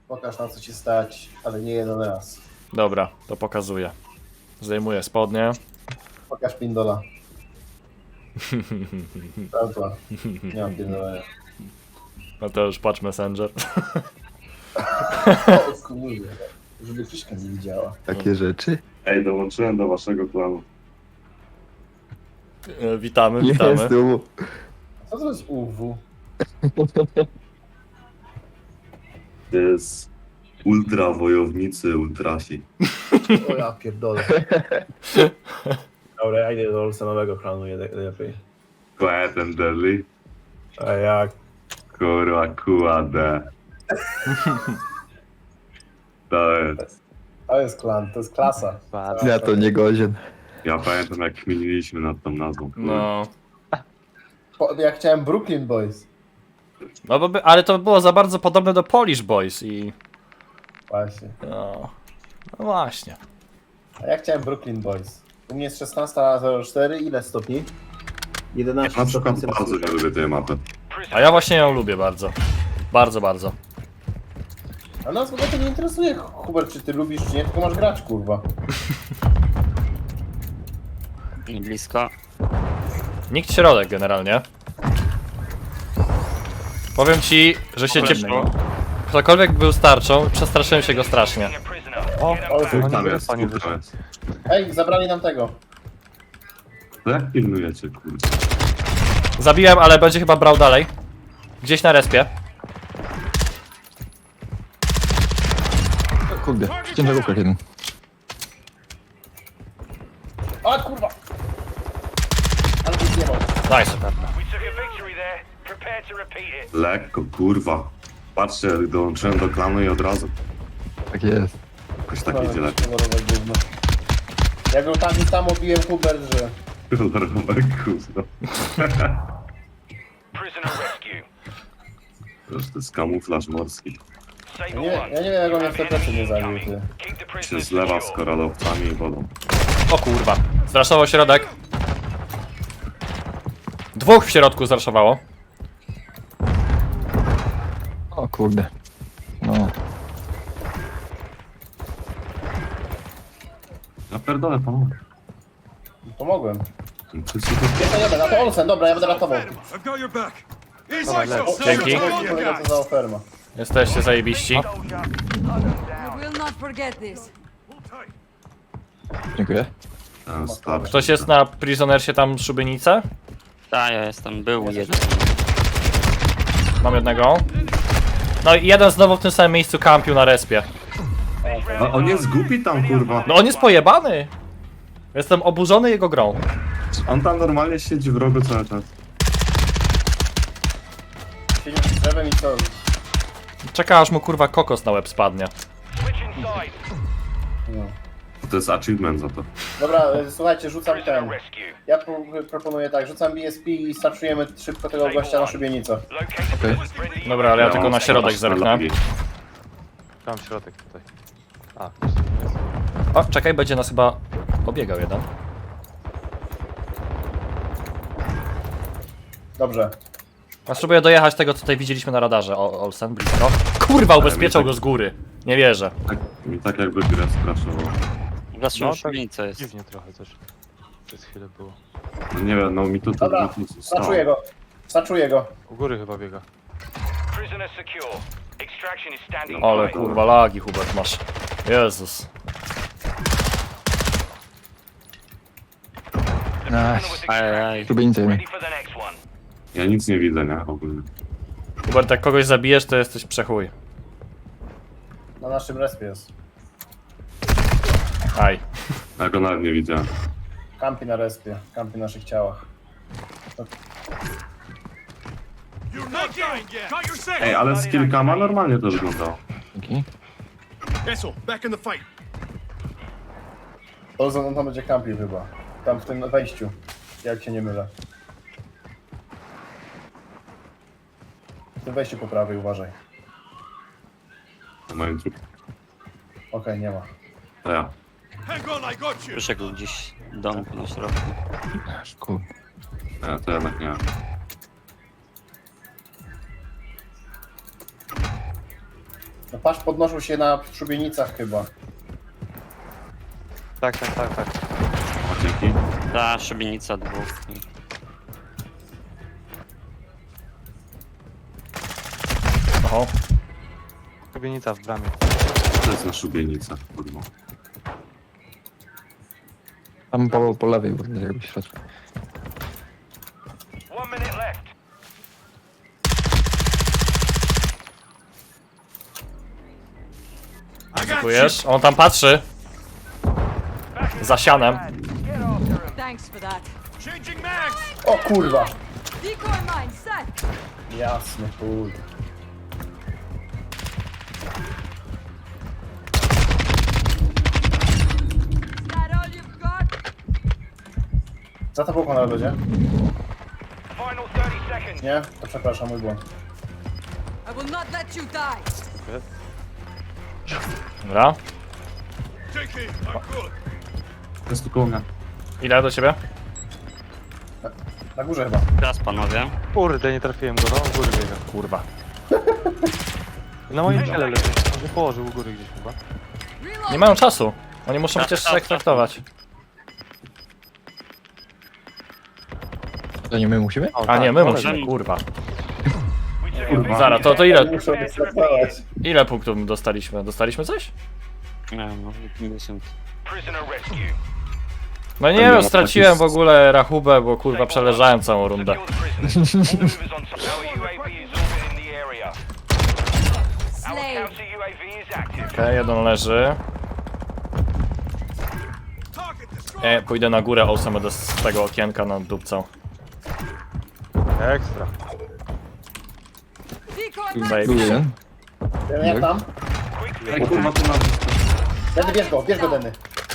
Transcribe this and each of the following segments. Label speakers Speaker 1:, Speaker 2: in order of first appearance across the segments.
Speaker 1: Pokaż na co ci stać, ale nie jeden raz.
Speaker 2: Dobra, to pokazuję. Zdejmuję spodnie.
Speaker 1: Pokaż pindola. Prawda. Nie mam pindolenia.
Speaker 2: No to już patrz Messenger.
Speaker 1: O kurde. Żeby Krzyśka nie widziała.
Speaker 3: Takie rzeczy?
Speaker 4: Ej, dołączyłem do waszego klanu.
Speaker 2: Witamy,
Speaker 3: Jest,
Speaker 2: witamy.
Speaker 3: tu.
Speaker 1: Co to jest UW?
Speaker 4: To jest ultra wojownicy ultrasi.
Speaker 1: O ja pierdolę. Dobra, ja idę do Olsenowego klanu lepiej.
Speaker 4: Quiet and deadly.
Speaker 1: A jak?
Speaker 4: Kurwa, QAD. To jest.
Speaker 1: To jest klan, to jest klasa.
Speaker 3: Ja to nie godzien.
Speaker 4: Ja pamiętam jak kminiliśmy nad tą nazwą.
Speaker 2: No.
Speaker 1: Ja chciałem Brooklyn Boys.
Speaker 2: No bo ale to było za bardzo podobne do Polish Boys i...
Speaker 1: Właśnie.
Speaker 2: No właśnie.
Speaker 1: A ja chciałem Brooklyn Boys. U mnie jest 16:04, ile stopni? 11
Speaker 4: Na przykład
Speaker 1: stopni
Speaker 4: bardzo nie lubię tej mapy.
Speaker 2: A ja właśnie ją lubię bardzo. Bardzo, bardzo.
Speaker 1: A nas w ogóle to nie interesuje, Hubert, czy ty lubisz, czy nie, tylko masz grać, kurwa.
Speaker 5: I blisko.
Speaker 2: Nikt środek generalnie. Powiem ci, że się Ktokolwiek był starczą, przestraszyłem się go strasznie.
Speaker 1: O,
Speaker 4: Dwóch tam jest, dwóch tam jest.
Speaker 1: Ej, zabrali nam tego.
Speaker 4: To jak pilnujecie, kurde?
Speaker 2: Zabiłem, ale będzie chyba brał dalej. Gdzieś na respie.
Speaker 3: Kurde, ciężarówka jeden.
Speaker 1: A kurwa! Ale to zjebał.
Speaker 2: Nice.
Speaker 4: Lekko, kurwa. Patrzcie, dołączyłem do klanu i od razu.
Speaker 3: Tak jest.
Speaker 4: Jakoś tak idzie lepiej.
Speaker 1: Kolorowe gówno. Ja go tam i tam obiłem, Hubert, że...
Speaker 4: Kolorowe gówno. To jest kamuflaż morski.
Speaker 1: Ja nie wiem, jak on mnie w te plecy nie zabił, ty.
Speaker 4: Się zlewa z koralowcami i wodą.
Speaker 2: O kurwa. Zraszował środek. Dwóch w środku zraszowało.
Speaker 3: O kurde. No.
Speaker 4: Ja pierdolę, pomogę.
Speaker 1: Pomogłem.
Speaker 4: To
Speaker 1: Jadę, na to Olsen, dobra, ja będę ratował.
Speaker 6: I've got your back.
Speaker 2: Dzięki.
Speaker 1: Kolega, co za oferma.
Speaker 2: Jesteście zajebiści.
Speaker 7: I will not forget this.
Speaker 3: Dziękuję.
Speaker 4: starczy.
Speaker 2: Ktoś jest na Prisonersie tam szubienicę?
Speaker 5: Tak, ja jestem, był jeden.
Speaker 2: Mam jednego. No i jeden znowu w tym samym miejscu kampił na respie.
Speaker 4: A on jest głupi tam, kurwa.
Speaker 2: No on jest pojebany. Jestem oburzony jego grą.
Speaker 4: On tam normalnie siedzi w rogu cały czas.
Speaker 1: Siedzi z drzewem i co?
Speaker 2: Czeka aż mu kurwa kokos na łeb spadnie.
Speaker 1: No.
Speaker 4: To jest achievement za to.
Speaker 1: Dobra, słuchajcie, rzucam ten. Ja proponuję tak, rzucam BSP i starczujemy szybko tego gościa na szubienicę.
Speaker 3: Okej.
Speaker 2: Dobra, ale ja tylko na środek zerknę.
Speaker 8: Tam środek tutaj. A,
Speaker 2: O, czekaj, będzie nas chyba obiegał jeden.
Speaker 1: Dobrze.
Speaker 2: Ja spróbuję dojechać tego, co tutaj widzieliśmy na radarze. O, Olsen, blisko. Kurwa, ubezpieczał go z góry. Nie wierzę.
Speaker 4: Mi tak jakby grę skraszował.
Speaker 5: Waszą
Speaker 8: no
Speaker 5: no, szubienica jest.
Speaker 8: dziwnie trochę też. Przez chwilę było.
Speaker 4: No nie wiem, no mi to
Speaker 1: Dobra,
Speaker 4: mi tu
Speaker 1: starczuję go. Starczuję go.
Speaker 8: U góry chyba biega.
Speaker 2: Ale kurwa lagi, Hubert, masz. Jezus.
Speaker 5: Ajajaj.
Speaker 3: Szubienicę jeden.
Speaker 4: Ja nic nie widzę, nie? Ogólnie.
Speaker 2: Hubert, jak kogoś zabijesz, to jesteś przechuj.
Speaker 1: Na naszym respie jest.
Speaker 2: Aj.
Speaker 4: Ja go nawet nie widziałem.
Speaker 1: Kampi na respie. Kampi na naszych ciałach.
Speaker 6: You're not dying yet. Got your second.
Speaker 4: Ej, ale z kilkama normalnie to wyglądało.
Speaker 3: Dzięki.
Speaker 6: Vessel, back in the fight.
Speaker 1: Olsen, on tam będzie kampił chyba. Tam w tym wejściu. Jak się nie mylę. W tym wejściu po prawej, uważaj.
Speaker 4: Na moim trupie.
Speaker 1: Okej, nie ma.
Speaker 4: To ja.
Speaker 6: Hang on, I got you.
Speaker 5: Przyszedł gdzieś w domku na środku.
Speaker 3: Aż kurde.
Speaker 4: Ja to jednak nie.
Speaker 1: No patrz, podnoszą się na szubienicach chyba.
Speaker 8: Tak.
Speaker 4: O, dzięki.
Speaker 5: Ta szubienica dwóch.
Speaker 2: Oho.
Speaker 8: Szubienica w bramie.
Speaker 4: To jest na szubienica, kurwa.
Speaker 3: Tam po lewej, kurde, jakby w środku.
Speaker 6: 1 minute left. I got you.
Speaker 2: Dziękujesz. On tam patrzy. Za sianem.
Speaker 7: Thanks for that.
Speaker 6: Changing mags.
Speaker 1: O kurwa!
Speaker 7: Decoy mine set.
Speaker 1: Jasne, kurde.
Speaker 7: Is that all you've got?
Speaker 1: Za to na lodzie?
Speaker 6: Final 30 seconds.
Speaker 1: Nie? To przepraszam, mój błąd.
Speaker 7: I will not let you die.
Speaker 2: Dobra.
Speaker 6: Take it. I'm good.
Speaker 4: To jest tu koło mnie.
Speaker 2: Ile do ciebie?
Speaker 1: Na górze chyba.
Speaker 5: Teraz panowie.
Speaker 8: Kurde, nie trafiłem go, no u góry biega.
Speaker 2: Kurwa.
Speaker 8: Na moim ciele leży. On się położył u góry gdzieś chyba.
Speaker 7: Reload.
Speaker 2: Nie mają czasu. Oni muszą przecież się ekstraktować.
Speaker 3: To nie my musimy?
Speaker 8: O,
Speaker 2: A nie, my
Speaker 8: tak,
Speaker 2: musimy, kurwa.
Speaker 4: Kurwa.
Speaker 2: Zaraz, to ile,
Speaker 1: Muszą ekstraktować.
Speaker 2: ile punktów dostaliśmy? Dostaliśmy coś?
Speaker 5: Nie no, 50.
Speaker 6: Prisoner rescue.
Speaker 2: No nie wiem, straciłem w ogóle rachubę, bo kurwa przeleżałem całą rundę.
Speaker 6: Secure the prisoners. All movers on site. Our UAV is orbiting the area. Our
Speaker 7: Slave.
Speaker 6: counter UAV is active.
Speaker 2: Okej, jeden leży.
Speaker 6: Target destroyed.
Speaker 2: Pójdę na górę, Olsen będę z tego okienka nad dupcą.
Speaker 8: Ekstra.
Speaker 7: Decoy mine.
Speaker 2: Zajebiście.
Speaker 3: Tu jeden.
Speaker 1: Jak tam?
Speaker 4: Ej, kurwa, tu na...
Speaker 1: Denny, bierz go, Denny.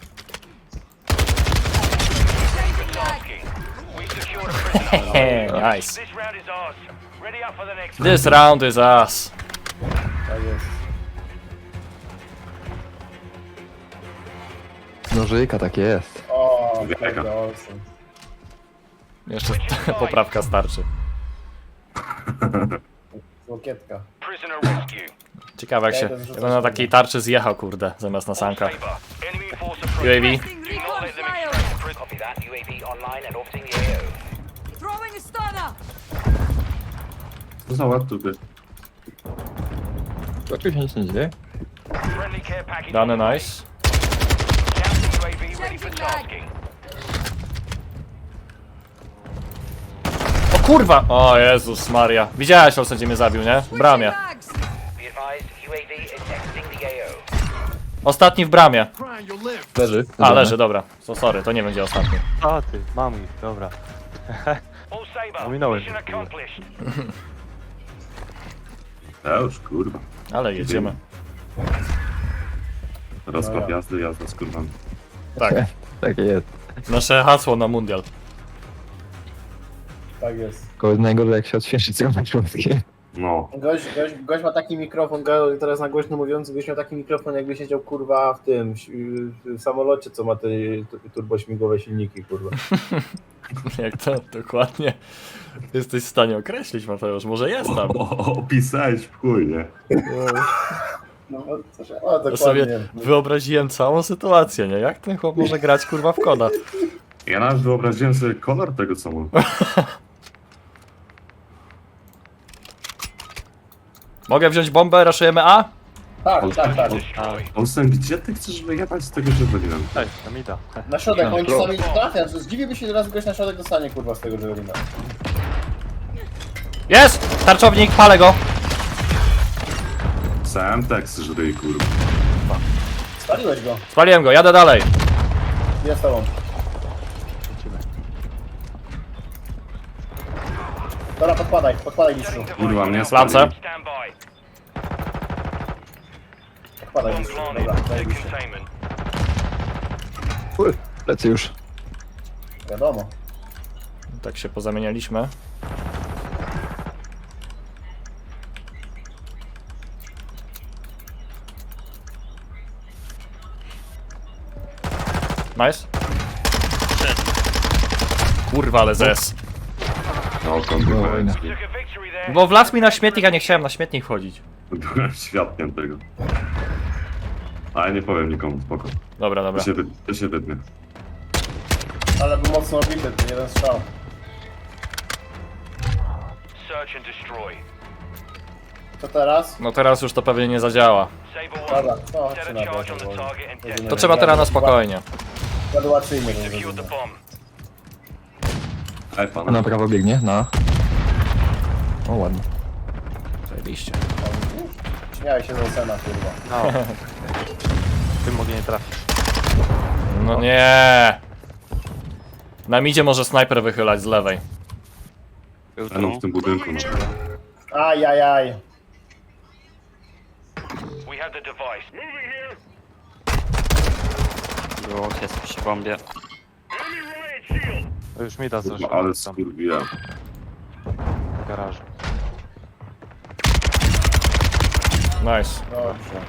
Speaker 7: Changing mag.
Speaker 6: We secured a prisoner.
Speaker 2: Hehe, nice.
Speaker 6: This round is ours. Ready up for the next.
Speaker 2: This round is us.
Speaker 1: Tak jest.
Speaker 3: Nożyka, tak jest.
Speaker 1: O,
Speaker 4: Wielka.
Speaker 1: kurde, Olsen.
Speaker 2: Jeszcze poprawka starczy.
Speaker 1: Łokietka.
Speaker 6: Prisoner rescue.
Speaker 2: Ciekawe jak się ja bym na takiej tarczy zjechał, kurde, zamiast na sankach.
Speaker 6: Saber. Enemy force
Speaker 2: UAV.
Speaker 6: approaching.
Speaker 7: Placing
Speaker 6: Do not
Speaker 7: recon
Speaker 6: let them
Speaker 7: flyover.
Speaker 6: extract the prisoner.
Speaker 9: Copy that. UAV online and orbiting the AO.
Speaker 7: Throwing a stunner.
Speaker 4: To za ład tu by.
Speaker 3: Tu oczywiście nic nie dzieje.
Speaker 6: Friendly care package.
Speaker 2: Dane
Speaker 6: on the way.
Speaker 2: nice.
Speaker 6: Counter UAV ready for
Speaker 7: Changing mag.
Speaker 6: tasking.
Speaker 2: O kurwa! O Jezus Maria. Widziałeś, Olsen, gdzie mnie zabił, nie? W bramie.
Speaker 7: Switching mags.
Speaker 9: Be advised, UAV is exiting the AO.
Speaker 2: Ostatni w bramie.
Speaker 6: Crying, you'll live.
Speaker 3: Leży.
Speaker 2: A, leży, dobra. So, sorry, to nie będzie ostatni.
Speaker 8: A ty, mam ich, dobra.
Speaker 6: All Saber.
Speaker 8: Ominąłem.
Speaker 6: Mission accomplished.
Speaker 4: Ja już, kurwa.
Speaker 2: Ale jedziemy.
Speaker 4: Rozkład jazdy, jazda z kurwami.
Speaker 2: Tak.
Speaker 3: Tak jest.
Speaker 2: Nasze hasło na mundial.
Speaker 1: Tak jest.
Speaker 3: Tylko jest najgorzej, jak się odświeży całe środki.
Speaker 4: No.
Speaker 1: Gość ma taki mikrofon, teraz na głośno mówiąc, gość miał taki mikrofon, jakby siedział kurwa w tym, w samolocie, co ma te turbośmigłowe silniki, kurwa.
Speaker 2: Jak to dokładnie jesteś w stanie określić, Mateusz? Może jest tam.
Speaker 4: Opisałeś w chuj, nie?
Speaker 1: No, coś, o,
Speaker 2: Ja sobie
Speaker 1: dokładnie.
Speaker 2: wyobraziłem całą sytuację, nie? Jak ten chłop może grać kurwa w koda?
Speaker 4: Ja nawet wyobraziłem sobie kolor tego, co mam.
Speaker 2: Mogę wziąć bombę, raszujemy A?
Speaker 1: Tak, tak, tak.
Speaker 4: Olsen, gdzie ty chcesz wyjechać z tego Javelina?
Speaker 8: Ej, tam ida.
Speaker 1: Na środek, oni czasami trafia. Zdziwiłby się, że raz gość na środek dostanie, kurwa, z tego Javelina.
Speaker 2: Jest! Tarczownik, palę go!
Speaker 4: Sam tekst żryj, kurwa.
Speaker 1: Spaliłeś go.
Speaker 2: Spaliłem go, jadę dalej.
Speaker 1: Jest z tobą.
Speaker 8: Lecimy.
Speaker 1: Dobra, podkładaj mistrzu.
Speaker 4: Kurwa, mnie
Speaker 2: Flance.
Speaker 4: spali.
Speaker 6: Stand by.
Speaker 1: Podkładaj
Speaker 6: Bomb
Speaker 1: mistrzu.
Speaker 6: planted.
Speaker 1: Dobra,
Speaker 6: Take
Speaker 1: zajebiście.
Speaker 6: containment.
Speaker 3: Lecę już.
Speaker 1: Wiadomo.
Speaker 2: Tak się pozamienialiśmy. Nice. Kurwa, ale zes.
Speaker 4: No,
Speaker 3: Wojna.
Speaker 6: Took a victory there.
Speaker 2: Bo wlazł mi na śmietnik, a nie chciałem na śmietnik wchodzić.
Speaker 4: Byłem świadkiem tego. Ale nie powiem nikomu, spoko.
Speaker 2: Dobra, dobra.
Speaker 4: To się wytnie.
Speaker 1: Ale był mocno obity, to jeden strzał.
Speaker 6: Search and destroy.
Speaker 1: Co teraz?
Speaker 2: No teraz już to pewnie nie zadziała.
Speaker 6: Saber
Speaker 1: Dobra,
Speaker 6: 1,
Speaker 1: to
Speaker 6: set
Speaker 1: chodźcie
Speaker 6: a
Speaker 1: na
Speaker 6: charge on the
Speaker 1: bok.
Speaker 6: target and detonate.
Speaker 2: To trzeba teraz na spokojnie.
Speaker 1: Graduacyjnie to
Speaker 6: Secured the
Speaker 1: zrobimy.
Speaker 6: bomb.
Speaker 4: Ej, pan.
Speaker 3: Na prawo biegnie, no. O, ładnie.
Speaker 2: Zajebiście.
Speaker 1: Śmiałeś się z Olsena, kurwa.
Speaker 8: No. Tym mogę nie trafić.
Speaker 2: No nie. Na midzie może snajper wychylać z lewej.
Speaker 5: Był
Speaker 4: No, w
Speaker 5: tu.
Speaker 4: tym budynku, no.
Speaker 1: Ajajaj.
Speaker 6: We have the device.
Speaker 5: Było, jest przy bombie.
Speaker 8: To już mi da coś
Speaker 4: Kurwa, ale
Speaker 8: tam
Speaker 4: skurwiłem.
Speaker 8: w garażu.
Speaker 2: Nice.
Speaker 1: Dobrze.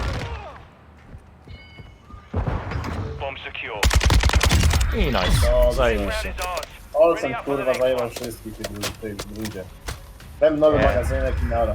Speaker 6: Bomb secure.
Speaker 2: I nice.
Speaker 1: Dobrze.
Speaker 2: Zajebiście.
Speaker 6: Round is ours.
Speaker 1: Olsen
Speaker 6: Ready up for the
Speaker 1: kurwa
Speaker 6: next
Speaker 1: zajmował
Speaker 6: one.
Speaker 1: wszystkich w tej rundzie. Ten nowy magazynek i nara.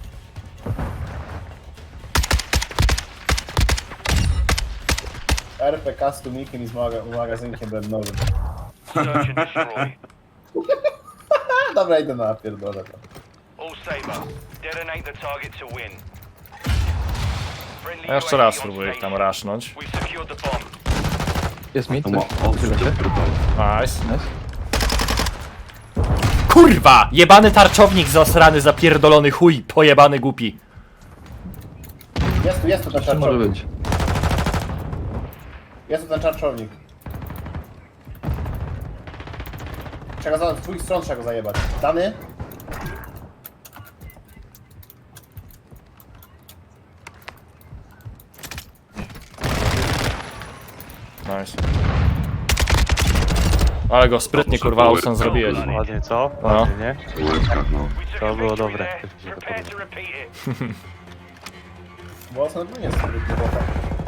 Speaker 1: RPK z tłumikiem i z magazynkiem bębnowym.
Speaker 6: Search and destroy.
Speaker 1: Dobra, idę na pierdolę to.
Speaker 6: All Saber. Detonate the target to win. Friendly
Speaker 2: Ja jeszcze raz
Speaker 6: UAV on
Speaker 2: spróbuję ich tam
Speaker 6: station.
Speaker 2: rasznąć.
Speaker 6: We've secured the bomb.
Speaker 3: Jest mi
Speaker 4: To
Speaker 3: coś?
Speaker 4: ma odrzuć
Speaker 2: Nice.
Speaker 3: Nice.
Speaker 2: Kurwa! Jebany tarczownik zasrany, zapierdolony chuj, pojebany głupi.
Speaker 1: Jest tu ten
Speaker 3: Co może
Speaker 1: czarczownik.
Speaker 3: być?
Speaker 1: Jest tu ten czarczownik. Trzeba go z dwóch stron trzeba go zajebać. Dany?
Speaker 2: Nice. Ale go sprytnie kurwa Olsen zrobiłeś.
Speaker 8: Ładnie, co?
Speaker 2: No.
Speaker 8: Ładnie, nie?
Speaker 4: w łebkach, no.
Speaker 6: We took
Speaker 8: To
Speaker 6: a
Speaker 8: było
Speaker 6: victory
Speaker 8: dobre.
Speaker 6: there.
Speaker 8: Też mi się to
Speaker 6: Prepare
Speaker 8: podoba.
Speaker 6: to repeat it.
Speaker 1: Bo Olsen nie jest zbyt głęboko.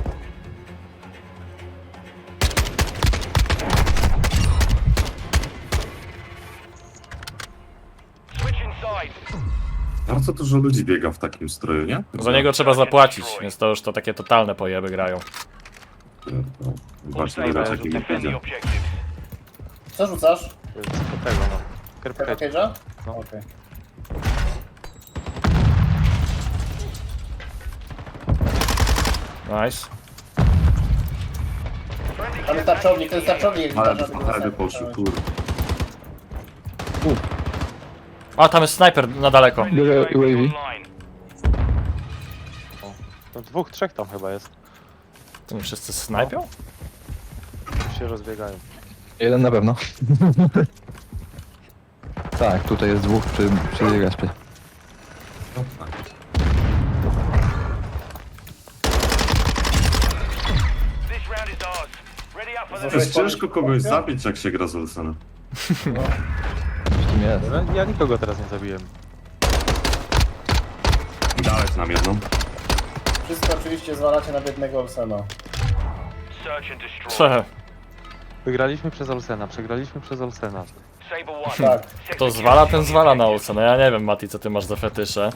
Speaker 6: Switch inside.
Speaker 4: Bardzo dużo ludzi biega w takim stroju, nie?
Speaker 2: Za niego trzeba zapłacić, więc to już to takie totalne pojeby grają.
Speaker 6: All
Speaker 4: Właśnie
Speaker 6: Saber.
Speaker 4: grać takim
Speaker 6: Defend the
Speaker 4: idzie.
Speaker 6: objectives.
Speaker 1: Co rzucasz?
Speaker 8: To jest do tego, no.
Speaker 1: Tego
Speaker 8: Kerpkę.
Speaker 1: cage'a?
Speaker 8: No.
Speaker 1: Okej.
Speaker 2: Nice.
Speaker 6: Friendly
Speaker 1: Tam jest tarczownik, ten tarczownik.
Speaker 4: Ale
Speaker 1: jak
Speaker 4: na herby poszły, kurwa.
Speaker 2: A, tam jest snajper na daleko.
Speaker 3: Biorę
Speaker 6: UAV
Speaker 3: UAV.
Speaker 6: online.
Speaker 8: To dwóch, trzech tam chyba jest.
Speaker 2: To nie wszyscy snajpią?
Speaker 8: Już się rozbiegają.
Speaker 3: Jeden na pewno. Tak, tutaj jest dwóch przy respie.
Speaker 6: This round is ours. Ready up for the
Speaker 4: To jest
Speaker 6: next
Speaker 4: ciężko kogoś zabić, jak się gra z Olsenem.
Speaker 3: Coś tym jest.
Speaker 8: No, ja nikogo teraz nie zabiłem.
Speaker 4: Dałeś nam jedną.
Speaker 1: Wszystko oczywiście zwalacie na biednego Olsena.
Speaker 6: search and destroy.
Speaker 2: Prze.
Speaker 8: Wygraliśmy przez Olsena, przegraliśmy przez Olsena.
Speaker 6: Saber 1.
Speaker 1: Tak.
Speaker 2: To zwala, ten zwala na Olsena. Ja nie wiem, Mati, co ty masz za fetysze.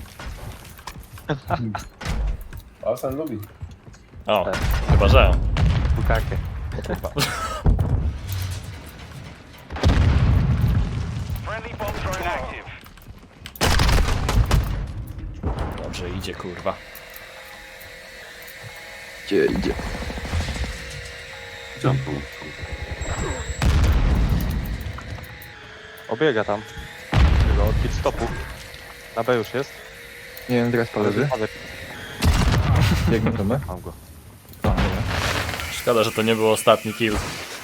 Speaker 1: Olsen lubi.
Speaker 2: O, chyba że.
Speaker 8: Bukakę.
Speaker 6: Friendly bomb drone active.
Speaker 2: Dobrze idzie, kurwa.
Speaker 3: Gdzie idzie?
Speaker 4: Jumpu.
Speaker 8: Obiega tam. Tego od pit stopu. Na B już jest.
Speaker 3: Nie wiem, teraz leży. Biegnie to my?
Speaker 8: Mam go.
Speaker 3: A, dobra.
Speaker 2: Szkoda, że to nie był ostatni kill.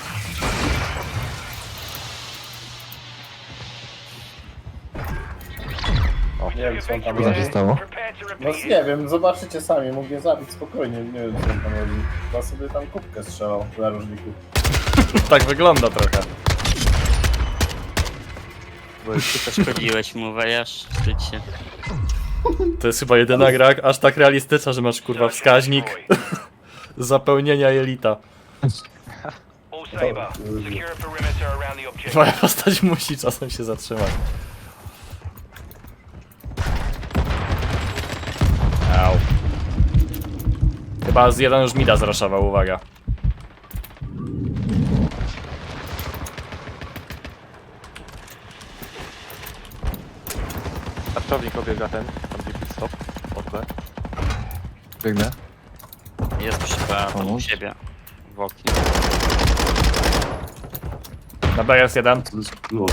Speaker 1: Nie wiem co on tam
Speaker 3: Co tam
Speaker 1: robi.
Speaker 3: się stało?
Speaker 6: Prepare to
Speaker 1: No
Speaker 6: repeat
Speaker 1: nie wiem, zobaczycie sami, mógł mnie zabić spokojnie, nie wiem co on tam robi. Chyba sobie tam kubkę strzelał w narożniku.
Speaker 2: Tak wygląda trochę.
Speaker 8: Bo jest
Speaker 5: Szkodziłeś mu, wejasz? Wstydź się.
Speaker 2: To jest chyba jedyna gra aż tak realistyczna, że masz kurwa wskaźnik zapełnienia jelita.
Speaker 6: All Saber. Secure a perimeter around the objective.
Speaker 2: Twoja postać musi czasem się zatrzymać. Chyba z jeden już mida zraszował, uwaga.
Speaker 8: Tarczownik obiega ten, tam gdzie pit stop. Od B.
Speaker 3: Biegnę.
Speaker 5: Jest przy B, tam u
Speaker 3: Pomóż.
Speaker 5: siebie. W oknie.
Speaker 2: Na B jest jeden.
Speaker 4: To jest klucz.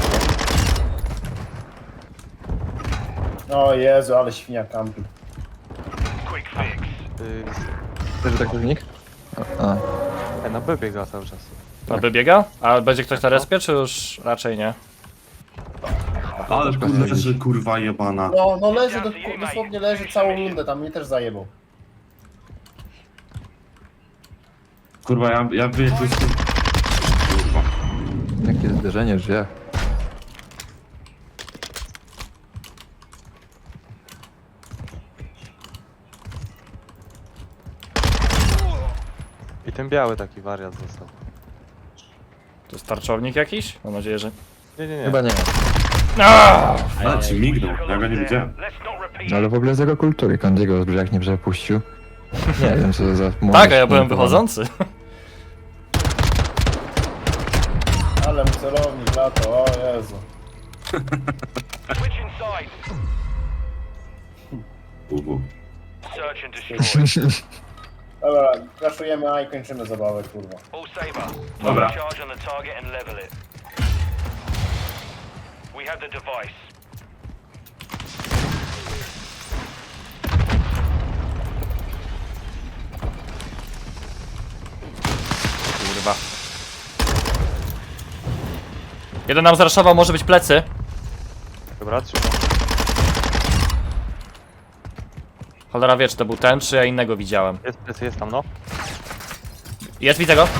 Speaker 1: O Jezu, ale świnia kampi.
Speaker 6: Quick fix.
Speaker 3: Leży tak pewnik? A,
Speaker 8: Na B biega cały czas.
Speaker 2: Na B biega? A będzie ktoś na respie, czy już raczej nie?
Speaker 4: Ale kurde, że kurwa jebana.
Speaker 1: No leży, dosłownie leży całą rundę, tam mnie też zajebał.
Speaker 4: Kurwa, ja wiem, to jest... Kurwa.
Speaker 3: jakie zderzenie w drzwiach.
Speaker 8: I ten biały taki wariat został.
Speaker 2: To jest tarczownik jakiś? Mam nadzieję, że...
Speaker 8: Nie.
Speaker 3: Chyba nie.
Speaker 4: Ale ci mignął, ja go nie widziałem.
Speaker 6: Let's not repeat.
Speaker 3: Ale w ogóle zero kultury. Kandiego z brzeg nie przepuścił. Nie wiem co to za...
Speaker 2: Tak, a ja byłem wychodzący.
Speaker 1: Ale mu celownik lato, o Jezu.
Speaker 6: Switch inside. Search and destroy.
Speaker 1: Dobra, kraszujemy A i kończymy zabawę, kurwa.
Speaker 6: All saber.
Speaker 4: Dobra.
Speaker 6: Charge on the target and level it. We have the device.
Speaker 2: Kurwa. Jeden nam zraszował, może być plecy.
Speaker 8: Dobra, trzymam.
Speaker 2: Cholera wie, czy to był ten, czy ja innego widziałem.
Speaker 8: Jest tam, no.
Speaker 2: Jest, widzę go.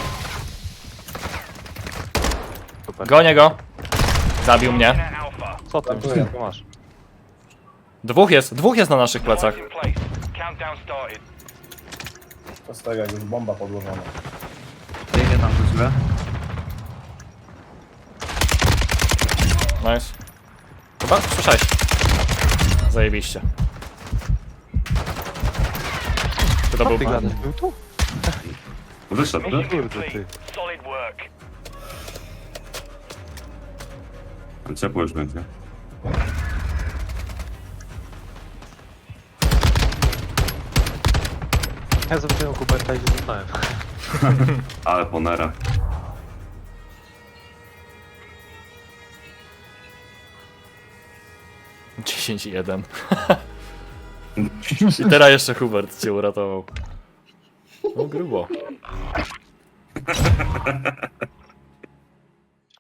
Speaker 8: Super.
Speaker 2: Gonię go. Zabił mnie.
Speaker 6: Alpha.
Speaker 8: Co ty?
Speaker 1: Dziękuję.
Speaker 8: Co masz?
Speaker 2: Dwóch jest na naszych plecach.
Speaker 6: Device in place. Countdown started.
Speaker 1: To z tego jak już bomba podłożona.
Speaker 4: Idę tam do źle.
Speaker 2: Nice. Chyba? Słyszałeś. Zajebiście. Czy to był...
Speaker 8: Ty gadasz, był tu?
Speaker 4: Wyszedł,
Speaker 8: Kurde,
Speaker 4: tak?
Speaker 8: ty.
Speaker 6: Solid work.
Speaker 4: Ciepło już będzie.
Speaker 8: Ja zobaczyłem Kuberta i się złapałem.
Speaker 4: Ale ponera.
Speaker 2: - 10-1. I teraz jeszcze Hubert cię uratował. No grubo.